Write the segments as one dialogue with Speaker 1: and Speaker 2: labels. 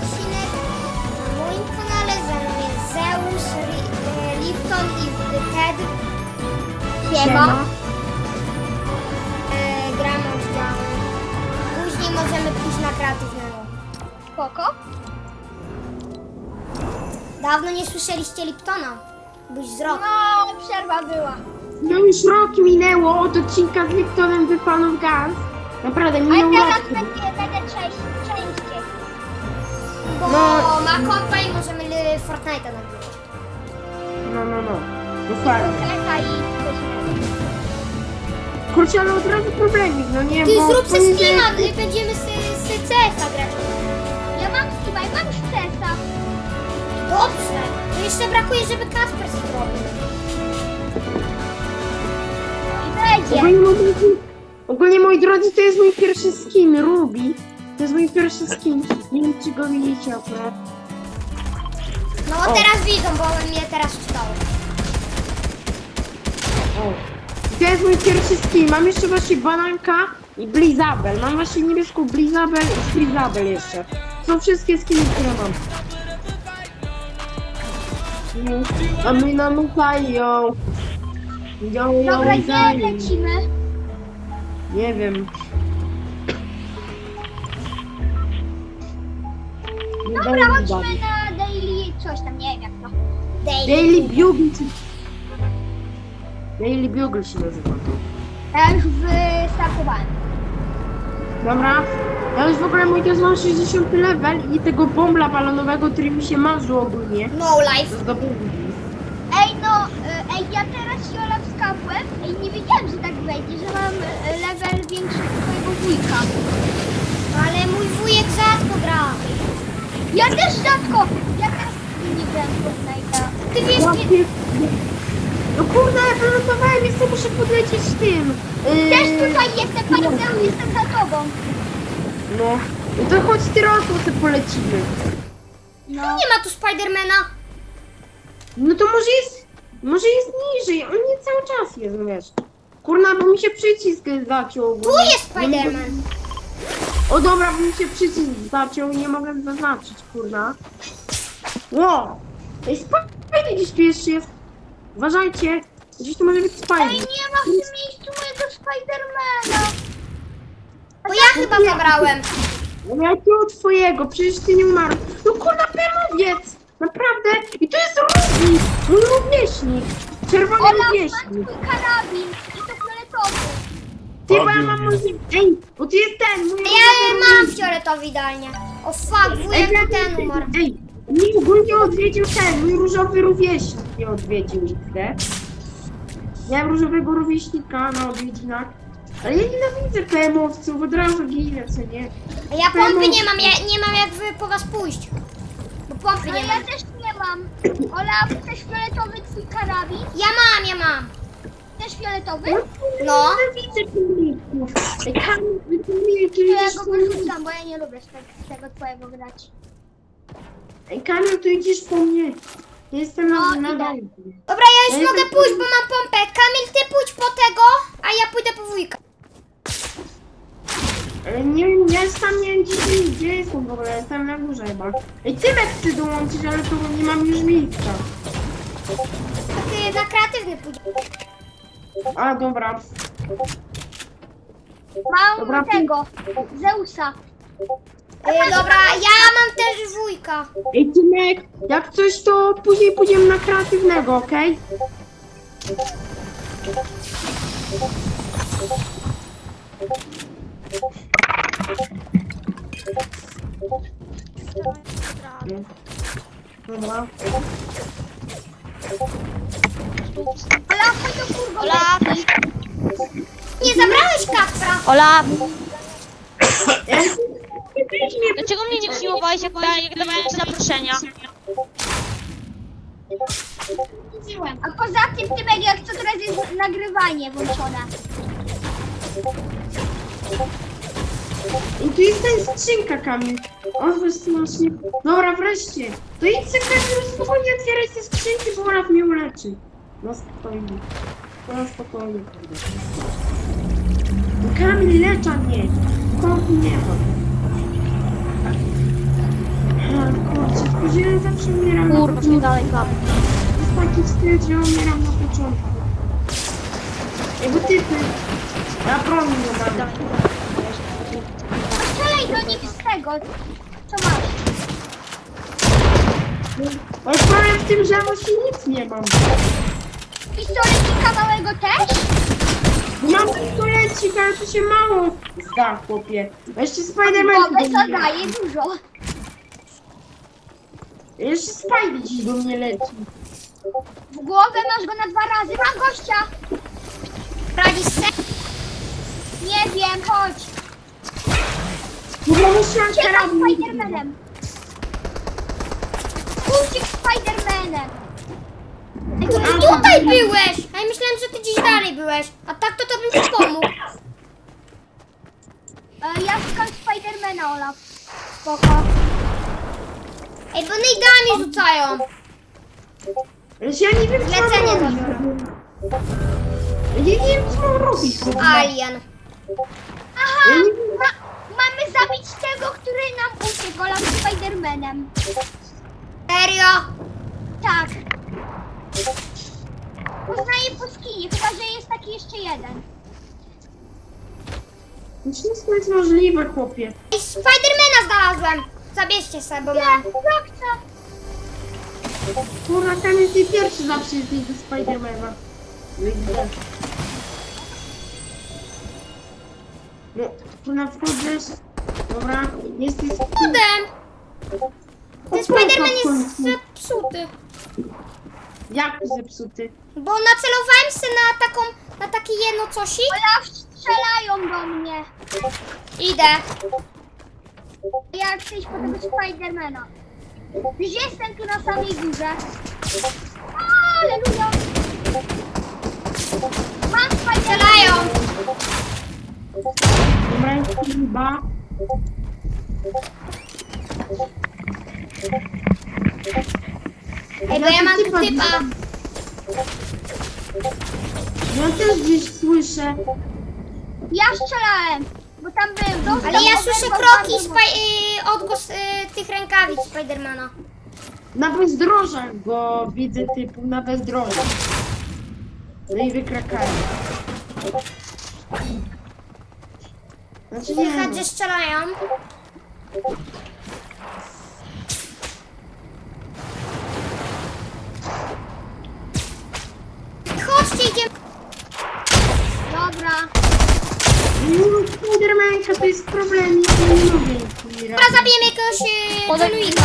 Speaker 1: odcinek na moim kanale. Ze mną jest Zeus, Lipton i Ted.
Speaker 2: Siema.
Speaker 1: Gramy oddziały. Później możemy pójść na kreatywnego.
Speaker 2: Spoko.
Speaker 1: Dawno nie słyszeliście Liptona. Byś z rok.
Speaker 2: No, przerwa była.
Speaker 3: No już rok minęło od odcinka z Liptonem wypalą gaz. Naprawdę
Speaker 2: Ale
Speaker 3: minął
Speaker 2: teraz
Speaker 3: rok.
Speaker 2: będzie częściej.
Speaker 1: Bo
Speaker 3: No.
Speaker 1: ma kompa i możemy Fortnite'a nagrywać.
Speaker 3: No. Dokładnie.
Speaker 2: Kleta i coś innego.
Speaker 3: Kurczę, ale od razu problemik, no nie,
Speaker 1: Ty
Speaker 3: bo...
Speaker 1: zrób se
Speaker 3: poniedziałek-
Speaker 1: streama, będziemy z CS-a grać.
Speaker 2: Ja mam Steama i mam stresa.
Speaker 1: Dobrze. To jeszcze brakuje, żeby Kasper zrobił.
Speaker 2: I będzie.
Speaker 3: Ogólnie, moi drodzy, to jest mój pierwszy skin, Ruby. To jest mój pierwszy skin. Nie wiem, czy go widzicie akurat.
Speaker 1: No
Speaker 3: O.
Speaker 1: teraz widzą, bo mnie teraz czytało.
Speaker 3: O. To jest mój pierwszy skin. Mam jeszcze właśnie bananka i Blizabel. Mam właśnie niebieską Blizabel i Frizabel jeszcze. Są wszystkie skiny, które mam. A my namykają.
Speaker 2: Dobra, gdzie lecimy?
Speaker 3: Nie wiem.
Speaker 2: Dobra, chodźmy na daily coś tam, nie wiem jak to.
Speaker 3: Daily Bugle. Daily Bugle się nazywa to.
Speaker 2: Ja już wystartowałem.
Speaker 3: Dobra. Ja już w ogóle mój też mam 60 level i tego bombla balonowego, który mi się marzył ogólnie.
Speaker 1: No life.
Speaker 3: Zdobyłem.
Speaker 2: Ja teraz się Olaf skapłem. Nie wiedziałem, że tak będzie, że mam level większy od twojego wujka.
Speaker 1: Ale mój wujek rzadko gra.
Speaker 2: Ja też rzadko. Ja teraz nie grałem w Fortnite'a.
Speaker 1: Ty wiesz,
Speaker 3: No kurde, ja wylądowałem, jeszcze muszę podlecieć tym.
Speaker 2: Też tutaj jestem, panie Zeu, jestem za tobą.
Speaker 3: No. No to chodź ty rosło, sobie polecimy.
Speaker 2: No.
Speaker 1: nie ma tu Spidermana.
Speaker 3: No to może jest niżej, on nie cały czas jest, no wiesz. Kurna, bo mi się przycisk zaciął.
Speaker 1: Tu jest Spiderman.
Speaker 3: O dobra, bo mi się przycisk zaciął i nie mogę zaznaczyć, kurna. Ło! Ej, Spider gdzieś tu jeszcze jest. Uważajcie, gdzieś tu może być Spider.
Speaker 2: Ej, nie ma w tym miejscu mojego Spidermana.
Speaker 1: Bo ja chyba zabrałem.
Speaker 3: No jakiego twojego? Przecież ty nie umarł. No kurna, pemowiec! Naprawdę? I to jest Ruby! Mój rówieśnik! Czerwony
Speaker 2: Olaf, mam
Speaker 3: rówieśnik!
Speaker 2: twój karabin i to fioletowy.
Speaker 3: Ty, bo ja mam może... Ej, bo tu jest ten, mój
Speaker 1: Ja
Speaker 3: różowy
Speaker 1: mam fioletowy idealnie. O fuck, wujek to ten umarł.
Speaker 3: Ej, mnie ogólnie odwiedził ten, mój różowy rówieśnik mnie odwiedził nigdy. Miałem różowego rówieśnika na odwiedzinach. Ale ja nienawidzę PM-owców, od razu ginę, co nie?
Speaker 1: A ja pompy nie mam, ja nie mam jak po was pójść. Bo pompy
Speaker 2: No
Speaker 1: nie
Speaker 2: ja
Speaker 1: mam.
Speaker 2: też nie mam. Olaf, też fioletowy twój karabin?
Speaker 1: Ja mam.
Speaker 2: Też fioletowy?
Speaker 1: No.
Speaker 3: Nienawidzę pomników. Ej, Kamil,
Speaker 2: To ja go wyrzucam, bo ja nie lubię z tego twojego grać.
Speaker 3: Ej, Kamil, tu idziesz po mnie. Ja jestem
Speaker 2: No,
Speaker 3: na
Speaker 2: idę.
Speaker 3: dole.
Speaker 1: Dobra, ja już mogę pójść, bo mam pompę. Kamil, ty pójdź po tego, a ja pójdę po wujka.
Speaker 3: Ale nie wiem, ja już tam nie wiem gdzie jestem w ogóle, jestem na górze chyba. Ej, Tymek chce dołączyć, ale to nie mam już miejsca.
Speaker 1: To ty na kreatywny pójdziesz.
Speaker 3: A, dobra.
Speaker 2: Mam
Speaker 3: Dobra,
Speaker 2: tego, Zeusa.
Speaker 1: Dobra, ja mam też wujka.
Speaker 3: Ej, Tymek, jak coś, to później pójdziemy na kreatywnego, okej? Dobra.
Speaker 2: Olaf, chodź do furgo.
Speaker 4: Olaf!
Speaker 1: Nie zabrałeś Kaspra.
Speaker 4: Olaf!
Speaker 3: Ej,
Speaker 4: Dlaczego mnie nie przyjmowałeś, jak dawałem ci zaproszenia?
Speaker 2: A poza tym, Tymek, jak co teraz jest nagrywanie włączone.
Speaker 3: I tu jest ta skrzynka, Kamil. O, właśnie. Dobra, wreszcie. To idź se, Kamil, spokojnie otwieraj te skrzynki, bo Olaf mnie uleczy. No spokojnie. No spokojnie, kurde. No, Kamil, lecza mnie. Kompu nie ma. Ja zawsze umieram na
Speaker 4: Kurwa,
Speaker 3: początku.
Speaker 4: dalej kam.
Speaker 3: Jest taki styl, że umieram na początku. Jego typy. Ja broni nie dam.
Speaker 4: Dalej.
Speaker 2: Strzelaj do nich z tego. Co masz?
Speaker 3: Ale problem w tym, że ja właśnie nic nie mam.
Speaker 2: Pistolecika małego też?
Speaker 3: Mam pistolecik, ale to się mało zda, chłopie. A jeszcze Spider-Man
Speaker 2: Głowę
Speaker 3: do mnie
Speaker 2: zadaje
Speaker 3: leci.
Speaker 2: dużo.
Speaker 3: Jeszcze Spidey dziś do mnie leci.
Speaker 2: W głowę masz go na 2 razy. Mam gościa!
Speaker 1: Radzisz se?
Speaker 2: Nie wiem, chodź.
Speaker 3: Dobra, musiałam
Speaker 2: Uciekaj
Speaker 3: karabin.
Speaker 2: Spidermanem. Uciekł Spidermanem.
Speaker 1: Tutaj byłeś! A ja myślałem, że ty gdzieś dalej byłeś. A tak to bym ci pomógł.
Speaker 2: Ja szukam Spidermana, Olaf. Spoko.
Speaker 1: Ej, bo nejdami rzucają.
Speaker 3: Ale ja nie wiem, co mam
Speaker 1: Lecenie
Speaker 3: robić.
Speaker 1: dopiero.
Speaker 3: Ja nie wiem, co mam robić.
Speaker 1: Alien.
Speaker 2: Aha!
Speaker 3: Ja nie wiem.
Speaker 2: Mamy zabić tego, który nam uciekł, Olaf, Spidermanem.
Speaker 1: Serio?
Speaker 2: Tak. Poznaję po skinie, chyba że jest taki jeszcze jeden.
Speaker 3: Wszystko jest możliwe, chłopie.
Speaker 1: Ej, Spidermana znalazłem. Zabierzcie sobie, bo mam.
Speaker 2: Jak chcę?
Speaker 3: Kurwa, Kamil, ty pierwszy zawsze jesteś do Spidermana. Nigdy. No, kurwa, wchodzisz. Dobra, jesteś...
Speaker 1: Cudem. Ten Spiderman jest zepsuty.
Speaker 3: Jak zepsuty?
Speaker 1: Bo nacelowałem się na takie jedno cosik.
Speaker 2: Olaf, strzelają do mnie.
Speaker 1: Idę.
Speaker 2: Ja chcę iść po tego Spidermana. Już jestem tu na samej górze. Aleluja. Mam Spidermana.
Speaker 1: Strzelają.
Speaker 3: Dobra, jest chyba.
Speaker 1: Ej, bo ja mam tu typa.
Speaker 3: Ja też gdzieś słyszę.
Speaker 2: Ja strzelałem, bo tam był. Dostał
Speaker 1: Ale ja
Speaker 2: oberwał
Speaker 1: słyszę kroki,
Speaker 2: bardzo mocno.
Speaker 1: odgłos tych rękawic Spidermana.
Speaker 3: Na bezdrożach go widzę typu, na bezdrożach. No i wykrakają. Znaczy nie
Speaker 1: Słychać,
Speaker 3: wiem.
Speaker 1: że strzelają. Chodźcie, idziemy.
Speaker 2: Dobra.
Speaker 3: Spidermanka to jest problem, ja nie lubię nic
Speaker 1: Dobra, zabijemy jakiegoś Jeluika.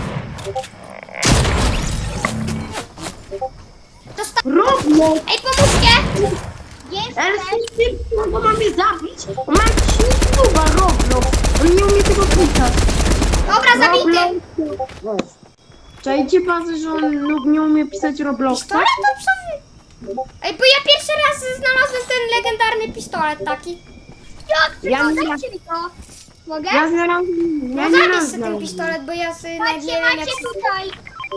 Speaker 3: Roblox!
Speaker 1: Ej, pomóżcie!
Speaker 3: Ale
Speaker 2: Jestem.
Speaker 3: z tym, którego mamy zabić, on ma jakiś YouTube'a Roblox. On nie umie tego pisać.
Speaker 1: Dobra, zabity.
Speaker 3: Roblox. Czajcie pan, że on nie umie pisać Robloxa?
Speaker 1: Pistolet to co wy? Ej, bo ja pierwszy raz znalazłem ten legendarny pistolet taki.
Speaker 2: Jak ty
Speaker 3: Ja
Speaker 2: to?
Speaker 3: nie-
Speaker 2: Dajcie mi to. Mogę?
Speaker 3: Ja znalazłem, ja
Speaker 1: No
Speaker 3: nie
Speaker 1: zabierz
Speaker 3: raz
Speaker 1: sobie ten
Speaker 3: znalazłem.
Speaker 1: pistolet, bo ja sobie nawet nie
Speaker 2: Macie,
Speaker 1: wiem jak...
Speaker 2: macie tutaj.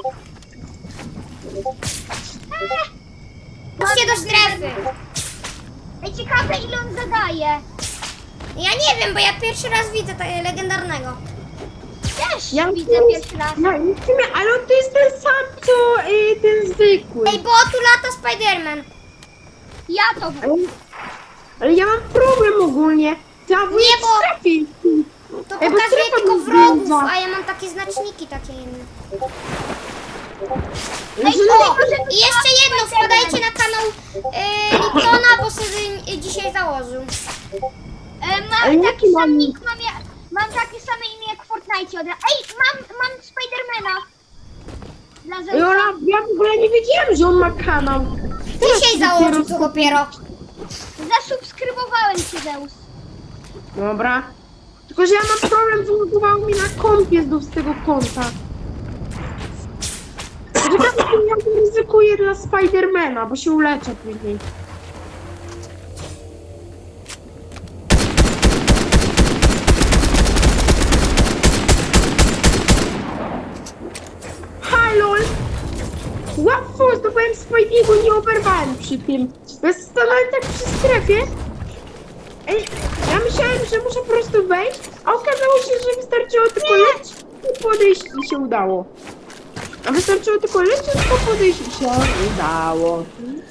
Speaker 1: Chodźcie do strefy.
Speaker 2: Ej, ciekawe ile on zadaje.
Speaker 1: Ja nie wiem, bo ja pierwszy raz widzę tego legendarnego.
Speaker 2: Też
Speaker 3: Ja
Speaker 2: widzę pierwszy raz.
Speaker 3: No, i w sumie, ale on to jest ten sam, co ten zwykły.
Speaker 1: Ej, bo tu lata Spiderman.
Speaker 2: Ja to
Speaker 3: Ale ja mam problem ogólnie. Trzeba
Speaker 1: Nie,
Speaker 3: wyjść
Speaker 1: bo-
Speaker 3: w strefie.
Speaker 1: To
Speaker 3: Ej, bo
Speaker 1: pokazuje
Speaker 3: strefa
Speaker 1: tylko
Speaker 3: mi
Speaker 1: wrogów,
Speaker 3: zwiedza.
Speaker 1: a ja mam takie znaczniki takie inne.
Speaker 3: Ej,
Speaker 1: O, i jeszcze jedno, wpadajcie na kanał Liptona, bo sobie dzisiaj założył.
Speaker 3: Ale
Speaker 2: Mam
Speaker 3: jaki
Speaker 2: taki
Speaker 3: mam
Speaker 2: sam
Speaker 3: nick?
Speaker 2: nick, mam takie same imię jak w Fortnite. Ej, mam Spidermana. Dla
Speaker 3: Ej,
Speaker 2: Zeusa.
Speaker 3: Ola, ja w ogóle nie wiedziałem, że on ma kanał.
Speaker 1: Dzisiaj założył to dopiero.
Speaker 2: Zasubskrybowałem cię, Zeus.
Speaker 3: Dobra. Tylko, że ja mam problem, wylogowało mi na kompie znów z tego konta. Czekaj, ja to ryzykuję dla Spidermana, bo się uleczę później. Halol! Łatwo, zdobyłem Spidey'ego, nie oberwałem przy tym. Ja stanąłem tak przy strefie. Ej, ja myślałem, że muszę po prostu wejść, a okazało się, że wystarczyło tylko lecieć i podejść i się udało. A wystarczyło tylko leciutko podejść i się udało.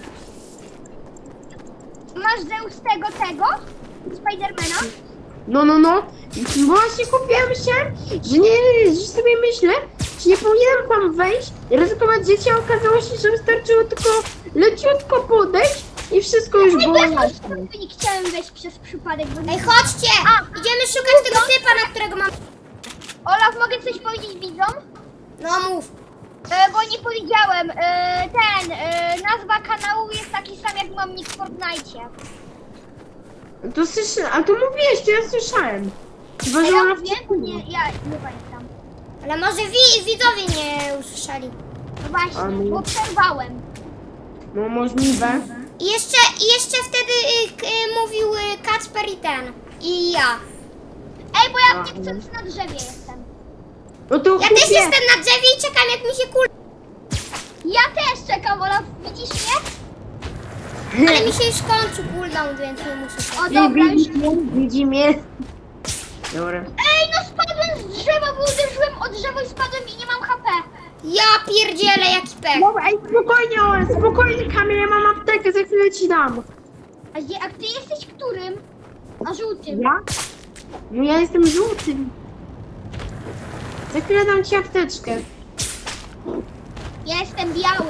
Speaker 2: Masz Zeus tego? Spidermana?
Speaker 3: No. I właśnie kupiłem się, że sobie myślę, czy nie powinienem tam wejść i ryzykować życie, a okazało się, że wystarczyło tylko leciutko podejść i wszystko już było jasne.
Speaker 2: Nie chciałem wejść przez przypadek, bo
Speaker 1: Ej, chodźcie! Idziemy szukać tego typa, na którego mam...
Speaker 2: Olaf, mogę coś powiedzieć widzom?
Speaker 1: No mów.
Speaker 2: Bo nie powiedziałem, nazwa kanału jest taki sam jak mam nick w Fortnite.
Speaker 3: To słyszałem, a to mówiłeś, to ja słyszałem. Chyba,
Speaker 2: A
Speaker 3: że
Speaker 2: ja
Speaker 3: ona
Speaker 2: mówię? Nie, ja nie pamiętam.
Speaker 1: Ale może widzowie nie usłyszeli.
Speaker 2: No właśnie,
Speaker 3: A my-
Speaker 2: bo przerwałem.
Speaker 3: No możliwe.
Speaker 1: I jeszcze wtedy mówił Kacper i ten. I ja.
Speaker 2: Ej, bo ja
Speaker 3: A,
Speaker 2: nie chcąc na drzewie jestem.
Speaker 3: No to
Speaker 1: Ja też jestem na drzewie i czekam, jak mi się
Speaker 2: Ja też czekam, Olaf, widzisz mnie?
Speaker 1: Ale mi się już kończy cooldown, więc nie muszę.
Speaker 2: O, dobra, już.
Speaker 3: Widzi mnie. Dobra.
Speaker 2: Ej, no spadłem z drzewa, bo uderzyłem o drzewo i spadłem i nie mam HP.
Speaker 1: Ja pierdzielę, jaki pech.
Speaker 3: Dobra, ej, spokojnie Kamil, ja mam aptekę, za chwilę ci dam.
Speaker 2: A ty jesteś którym? A żółtym.
Speaker 3: Ja? No ja jestem żółtym. Za chwilę dam ci apteczkę.
Speaker 2: Ja jestem biały.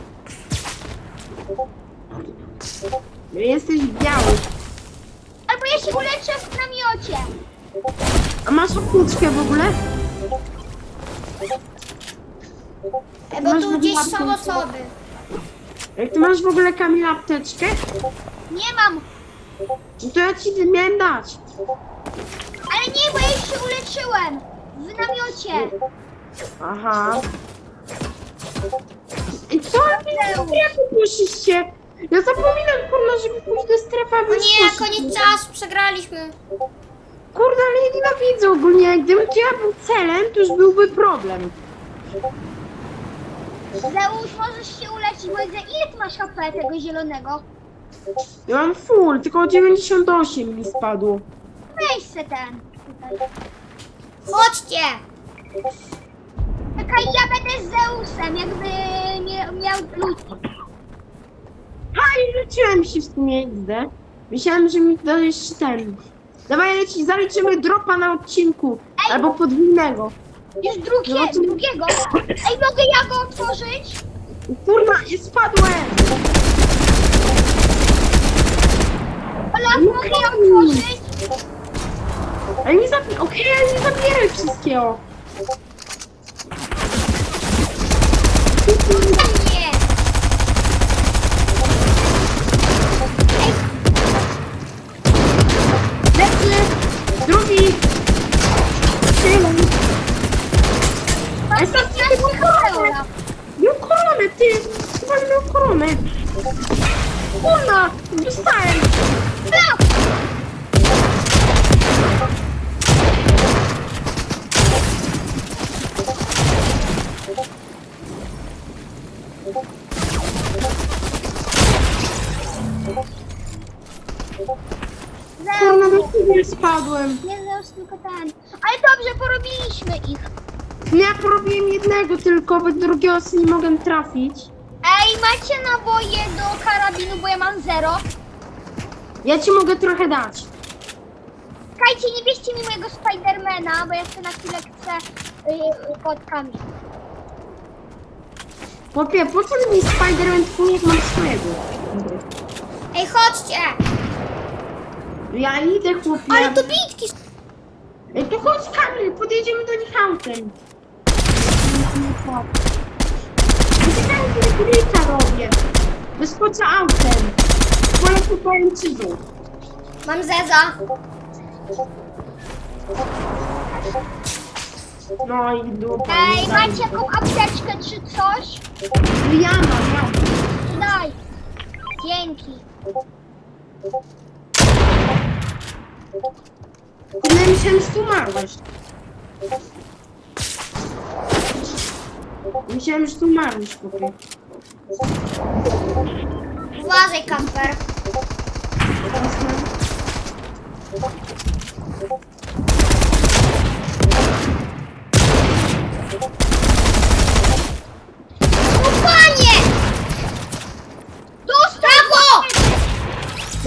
Speaker 3: Jesteś biały.
Speaker 2: Albo ja się uleczę w namiocie.
Speaker 3: A masz apteczkę w ogóle?
Speaker 1: Bo
Speaker 3: Masz
Speaker 1: tu
Speaker 3: w
Speaker 1: gdzieś
Speaker 3: ogóle
Speaker 1: są
Speaker 3: apteczkę?
Speaker 1: osoby.
Speaker 3: Jak ty masz w ogóle Kamil apteczkę?
Speaker 2: Nie mam.
Speaker 3: No to ja ci miałem dać.
Speaker 2: Ale nie, bo ja już się uleczyłem. W namiocie.
Speaker 3: Aha. I co? Jak poszliście? Ja zapominam, kurna, żeby pójść do strefy,
Speaker 1: O
Speaker 3: aby
Speaker 1: nie,
Speaker 3: poszli.
Speaker 1: koniec czasu, przegraliśmy.
Speaker 3: Kurde, ale ja nienawidzę ogólnie. Gdybym ja był celem, to już byłby problem.
Speaker 2: Zeus, możesz się uleczyć, bo widzę, ile ty masz HP tego zielonego?
Speaker 3: Ja mam full, tylko 98 mi spadło.
Speaker 2: Weź se ten. Tutaj.
Speaker 1: Chodźcie.
Speaker 2: Czekaj, ja będę z Zeusem, jakby miał ludzi.
Speaker 3: A i rzuciłem się w tym miejsce. Myślałem, że mi dajesz ten. Dawaj, zaliczymy dropa na odcinku.
Speaker 2: Ej!
Speaker 3: Albo podwójnego.
Speaker 2: Już
Speaker 3: No to-
Speaker 2: drugiego. Ej, mogę ja go otworzyć?
Speaker 3: Kurwa, i spadłem!
Speaker 2: Olaf, mogę ja otworzyć?
Speaker 3: Ale nie zabieraj, okej, ale nie zabieraj wszystkiego.
Speaker 1: Nie.
Speaker 3: Lecę! Drugi! Trzymaj!
Speaker 2: Mam
Speaker 3: Ale co,
Speaker 2: 15 HP, Olaf.
Speaker 3: miał koronę, ty! Chyba miał koronę! Kurna! Dostałem!
Speaker 2: Olaf!
Speaker 3: Kurna,
Speaker 2: Zeus.
Speaker 3: do ciebie spadłem!
Speaker 2: Nie Zeus, tylko ten. Ale dobrze, porobiliśmy ich.
Speaker 3: Ja porobiłem jednego tylko, bo drugiego sobie nie mogłem trafić.
Speaker 2: Ej, macie naboje do karabinu, bo ja mam 0.
Speaker 3: Ja ci mogę trochę dać.
Speaker 2: Czekajcie, nie bierzcie mi mojego Spidermana, bo ja sobie na chwilę chcę kotkami.
Speaker 3: Chłopie, po co mi Spider-Man twój, jak mam swojego?
Speaker 1: Ej, chodźcie.
Speaker 3: Ja idę, chłopie.
Speaker 1: Ale to bitki.
Speaker 3: Ej, to chodź Kamil, podjedziemy do nich autem. Czekaj, że glitcha robię. Wyskoczę autem. Polecę pajęczyzną.
Speaker 1: Mam zeza.
Speaker 3: No i dupa.
Speaker 2: Ej, macie jaką apteczkę czy coś?
Speaker 3: Ja mam.
Speaker 2: Daj. Dzięki.
Speaker 3: Ja myślałem, że tu umarłeś. Myślałem, że tu umarłeś, chłopie.
Speaker 1: Uważaj, Kacper.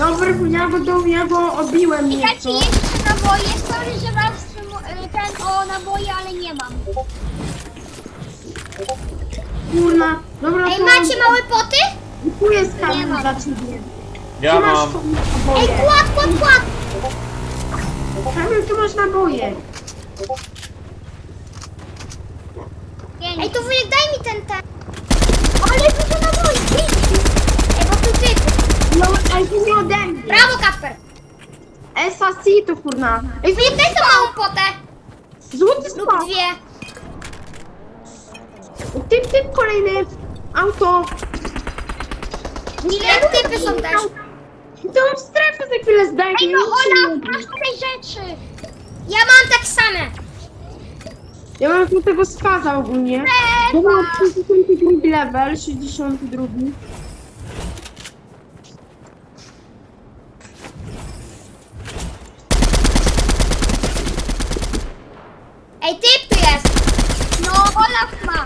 Speaker 3: Ja go obiłem
Speaker 2: I dajcie
Speaker 3: nieco.
Speaker 2: jeszcze naboje. Sorry, że was ten o naboje, ale nie mam.
Speaker 3: Kurna. Dobra,
Speaker 1: Ej,
Speaker 3: to
Speaker 1: macie małe poty?
Speaker 3: kupuję
Speaker 2: Nie
Speaker 3: skarbnik
Speaker 2: mam.
Speaker 3: dla ciebie.
Speaker 5: Ja
Speaker 3: Ty masz
Speaker 5: mam.
Speaker 1: Ej,
Speaker 3: naboje.
Speaker 1: kład!
Speaker 3: Kamil, tu masz naboje.
Speaker 1: Ej, to wujek, daj mi ten.
Speaker 2: Ale dużo naboi.
Speaker 1: Ej, bo tu ty.
Speaker 3: No, ale to nie ode mnie.
Speaker 1: Brawo, Kasper.
Speaker 3: SAC to kurna. Ej,
Speaker 1: Wujek, daj tą małą potę.
Speaker 3: złoty
Speaker 1: Lub
Speaker 3: spadł.
Speaker 1: dwie.
Speaker 3: Typ, kolejny. Auto.
Speaker 1: Ile typy są też?
Speaker 3: Tą strefę za chwilę zdajcie.
Speaker 2: Ej, no
Speaker 3: nic się
Speaker 2: Olaf,
Speaker 3: nie
Speaker 2: masz
Speaker 3: robi.
Speaker 2: tutaj rzeczy.
Speaker 1: Ja mam tak same.
Speaker 3: Ja mam tu tego spaza ogólnie. Ja mam 62 level, 62.
Speaker 1: Ej, typ tu jest.
Speaker 2: No, Olaf ma.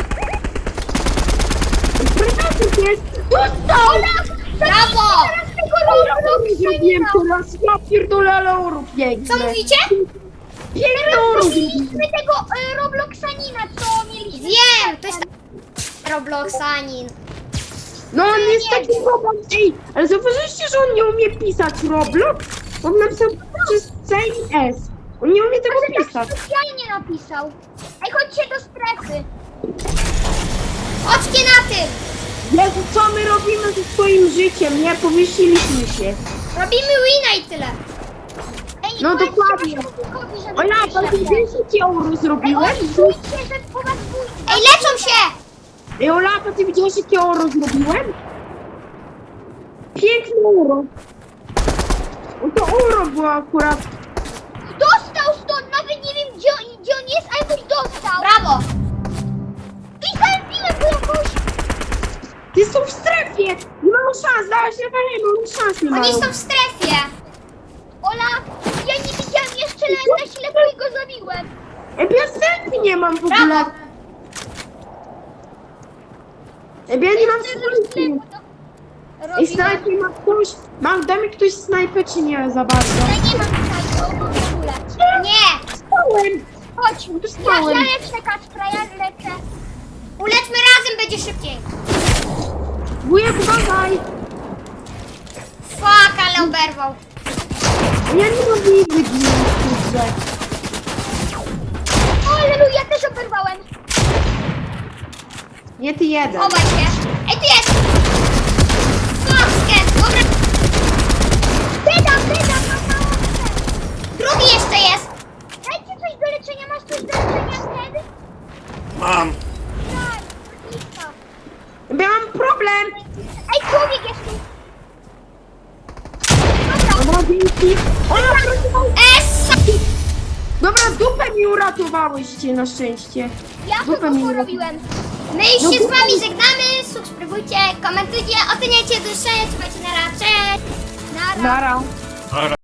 Speaker 3: Predator jest! Dostał!
Speaker 1: Brawo.
Speaker 2: Teraz tego
Speaker 3: Zrobiłem teraz, ja pierdolę, ale orów piękny.
Speaker 1: Co mówicie?
Speaker 3: Piękny orów.
Speaker 2: Mieliśmy tego Robloxanina, co mieliśmy.
Speaker 1: Wiem, to jest Robloxanin.
Speaker 3: No on jest taki robot. Ej, ale zauważyliście, że on nie umie pisać Roblox? On napisał przez C i S. On nie umie tego
Speaker 2: Może tak
Speaker 3: pisać.
Speaker 2: specjalnie napisał. Ej, chodźcie do strefy.
Speaker 1: Chodźcie na tym.
Speaker 3: Jezu, co my robimy ze swoim życiem? Nie, powiesiliśmy się.
Speaker 1: Robimy wina i tyle.
Speaker 2: Ej,
Speaker 3: No
Speaker 2: powiedzcie
Speaker 3: dokładnie.
Speaker 2: Wojtkowi, żeby
Speaker 3: Ola,
Speaker 2: wyszedł.
Speaker 3: pan wiesz, jakie euro zrobiłem?
Speaker 2: Ej, stójcie, że po was pójdzie.
Speaker 1: Ej, leczą się.
Speaker 3: Ej, Ola, ty widziałeś, jakie euro zrobiłem? Piękne euro. No to euro było akurat.
Speaker 2: Dostał stąd, nawet nie wiem gdzie on jest, ale ktoś dostał.
Speaker 1: Brawo.
Speaker 2: I zabiłem go jakoś.
Speaker 3: Ty są w strefie! Nie mam szans, dałaś levelem, nie mam szans, nie
Speaker 1: Oni
Speaker 3: mają.
Speaker 1: są w strefie.
Speaker 2: Ola, ja nie widziałem jeszcze na ślepo i go zabiłem.
Speaker 3: Ej, ja strefy nie mam w ogóle.
Speaker 1: Brawo.
Speaker 3: Ej, ja nie mam
Speaker 2: Jeszcze
Speaker 3: snajpy. Ej,
Speaker 2: robiłem.
Speaker 3: snajpy ma ktoś. Da mi ktoś snajpę, czy nie za bardzo?
Speaker 2: Ja nie mam tutaj w ogóle.
Speaker 1: Nie.
Speaker 3: Stałem!
Speaker 2: Chodź, ja
Speaker 3: Dostałem.
Speaker 2: lecę Kacpra, ja lecę.
Speaker 1: Ulećmy razem, będzie szybciej.
Speaker 3: Wujek, uważaj!
Speaker 1: Fuck, ale oberwał.
Speaker 3: Ja nie mam nigdy ginąć w grze.
Speaker 2: O, Aleluja, też oberwałem.
Speaker 3: Nie ty jeden.
Speaker 1: Chowaj się. Ej, tu jest. Fuck, sket. Dobra.
Speaker 2: Wydam, mam.
Speaker 1: Drugi jeszcze jest.
Speaker 2: Dajcie coś do leczenia, masz coś do leczenia wtedy?
Speaker 5: Mam.
Speaker 2: Tak, lista.
Speaker 3: Ja mam problem!
Speaker 2: Ej, człowiek jest tu. Dobra,
Speaker 3: Dobra, dzięki. Ola,
Speaker 1: Essa.
Speaker 3: dobra, dupę mi uratowałyście na szczęście.
Speaker 2: ja
Speaker 3: Dupę
Speaker 2: to
Speaker 3: mi
Speaker 2: porobiłem.
Speaker 1: My już się z wami żegnamy. Subskrybujcie, komentujcie, oceniajcie, do usłyszenia. Trzymajcie na razie. Cześć.
Speaker 2: Nara.
Speaker 3: Nara.
Speaker 5: Dobra.